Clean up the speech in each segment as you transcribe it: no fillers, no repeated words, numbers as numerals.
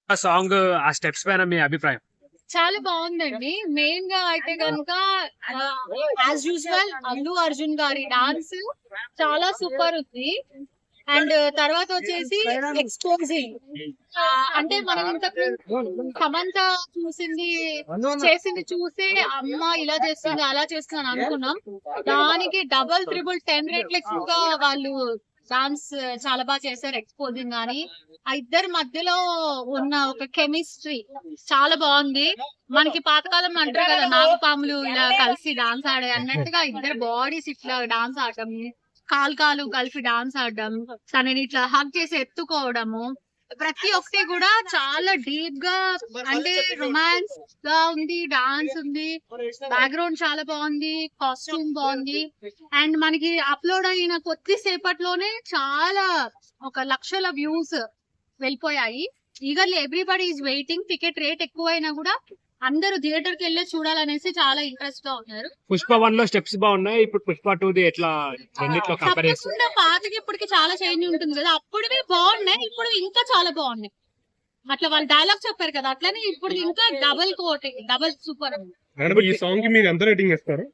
ఆ సాంగ్ ఆ స్టెప్స్ పైన మీ అభిప్రాయం? చాలా బాగుందండి. మెయిన్ గా అయితే గనుక యాజ్ యూజువల్ అల్లు అర్జున్ గారి డాన్స్ చాలా సూపర్ ఉంది. అండ్ తర్వాత వచ్చేసి ఎక్స్పోజింగ్, అంటే మనం ఇంతకు సమంత చేసింది చూసే అమ్మ ఇలా చేస్తుంది అలా చేస్తుంది అని అనుకున్నాం. దానికి డబల్ త్రిబుల్ 10 రెట్లు ఎక్కువగా వాళ్ళు డాన్స్ చాలా బాగా చేశారు. ఎక్స్పోజింగ్ గానీ ఆ ఇద్దరి మధ్యలో ఉన్న ఒక కెమిస్ట్రీ చాలా బాగుంది. మనకి పాతకాలం అంటారు కదా, నాగపాములు ఇలా కలిసి డాన్స్ ఆడే అన్నట్టుగా ఇద్దరు బాడీస్ ఇట్లా డాన్స్ ఆడటం, కాలు కలిపి డాన్స్ ఆడడం, తనని ఇట్లా హగ్ చేసి ఎత్తుకోవడము, ప్రతి ఒక్కటి కూడా చాలా డీప్ గా, అంటే రొమాన్స్ గా ఉంది, డాన్స్ ఉంది, బ్యాక్గ్రౌండ్ చాలా బాగుంది, కాస్ట్యూమ్ బాగుంది. అండ్ మనకి అప్లోడ్ అయిన కొద్దిసేపట్లోనే చాలా 1,00,000 వ్యూస్ వెళ్ళిపోయాయి. Eagerly everybody is waiting. Ticket rate ఎక్కువైనా కూడా అందరూ థియేటర్ కి వెళ్ళి చూడాలనేసి చాలా ఇంట్రెస్ట్ గా ఉన్నారు. పుష్ప 1 లో స్టెప్స్ బాగున్నాయి, ఇప్పుడు పుష్ప 2 ది ఎట్లా రెండిట్లో కంపేర్ చేస్తే? తప్పకుండా పాతకి ఇప్పటికి చాలా చేంజ్ ఉంటుంది కదా, అప్పుడువి బాగున్నాయి, ఇప్పుడు ఇంకా చాలా బాగున్నాయి. అట్లా వాళ్ళు డైలాగ్ చెప్పారు కదా, అట్లనే ఇప్పుడు ఇంకా డబుల్ కోటింగ్, డబుల్ సూపర్. ఈ సాంగ్ కి మీరు ఎంత రేటింగ్ ఇస్తారు?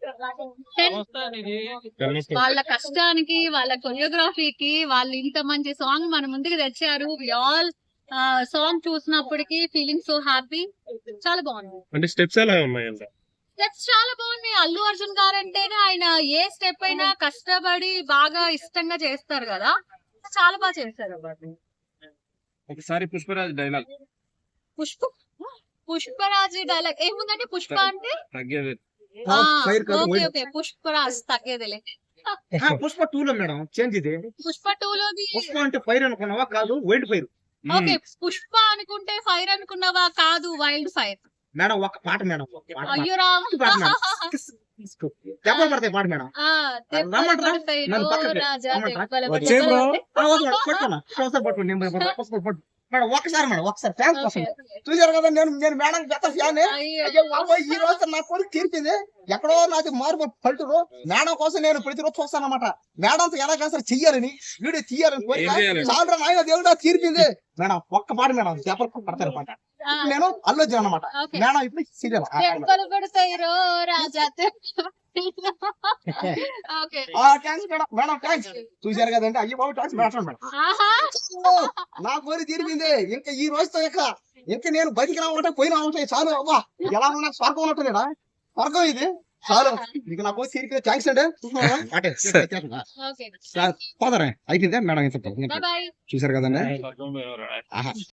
వాళ్ళ కష్టానికి, వాళ్ళ కొరియోగ్రఫీకి వాళ్ళు ఇంత మంచి సాంగ్ మన ముందుకు తెచ్చారు. వి ఆల్ సాంగ్ చూసినప్పటికి ఫీలింగ్ సో హ్యాపీ. చాలా బాగుంది. అంటే స్టెప్స్ ఎలా ఉన్నాయంట? స్టెప్స్ చాలా బాగున్నాయి. అల్లు అర్జున్ గారు అంటేనే ఆయన ఏ స్టెప్ అయినా కష్టపడి బాగా ఇష్టంగా చేస్తారు కదా, చాలా బాగా చేస్తారు. ఒకసారి పుష్పరాజ్ డైలాగ్. పుష్పరాజ్ డైలాగ్ ఏముందంటే, పుష్ప అంటే ఓకే పుష్పరాజ్ తగ్గేదిలే. పుష్ప 2 లో మేడం చేంజ్ ఇది. పుష్ప 2 లోది పుష్ప అంటే ఫైర్ అనుకున్నావా? కాదు, వైల్డ్ ఫైర్. ఓకే, పుష్ప అనుకుంటే ఫైర్ అనుకున్నావా? కాదు, వైల్డ్ ఫైర్. మేడం ఒక పాట మేడం, అయ్యో రామ్, దెబ్బలు పడతాయి పాట మేడం. మేడం ఒకసారి ఫ్యాన్స్ కోసం చూసారు కదా, నేను మేడం పెద్ద ఫ్యాన్. ఈ రోజు నా కొడుకు తీర్పింది, ఎక్కడో నాది మార్పు పల్టురు. మేడం కోసం నేను ప్రతిరోజు చూస్తాను అనమాట. మేడంతో ఎలా చేస్తారు చెయ్యాలని, వీడియో తీయాలని కోరిక చాలా నాయన దేవుడా తీర్పింది. మేడం ఒక్క పాట మేడం, దెబ్బలు పడతారు పాట. నేను అల్లు అర్జున్ అనమాట. మేడం ఇప్పుడు సీరియల్ మేడం థ్యాంక్స్. చూసారు కదండి, అయ్యి బాబు థ్యాంక్స్ మేడం. నా కోరి తీరిపింది. ఇంకా ఈ రోజుతో ఇంకా నేను బతికినా ఉంటాయి పోయినా ఉంటాయి చాలు. అబ్బా ఎలా ఉన్నా స్వర్గం ఉన్నట్టులేదా? స్వర్గం ఇది చాలు. ఇక నా కోరి తీరికి థ్యాంక్స్ అండి. పోతారా అయిపోయిందే మేడం. ఇంత చూసారు కదండి.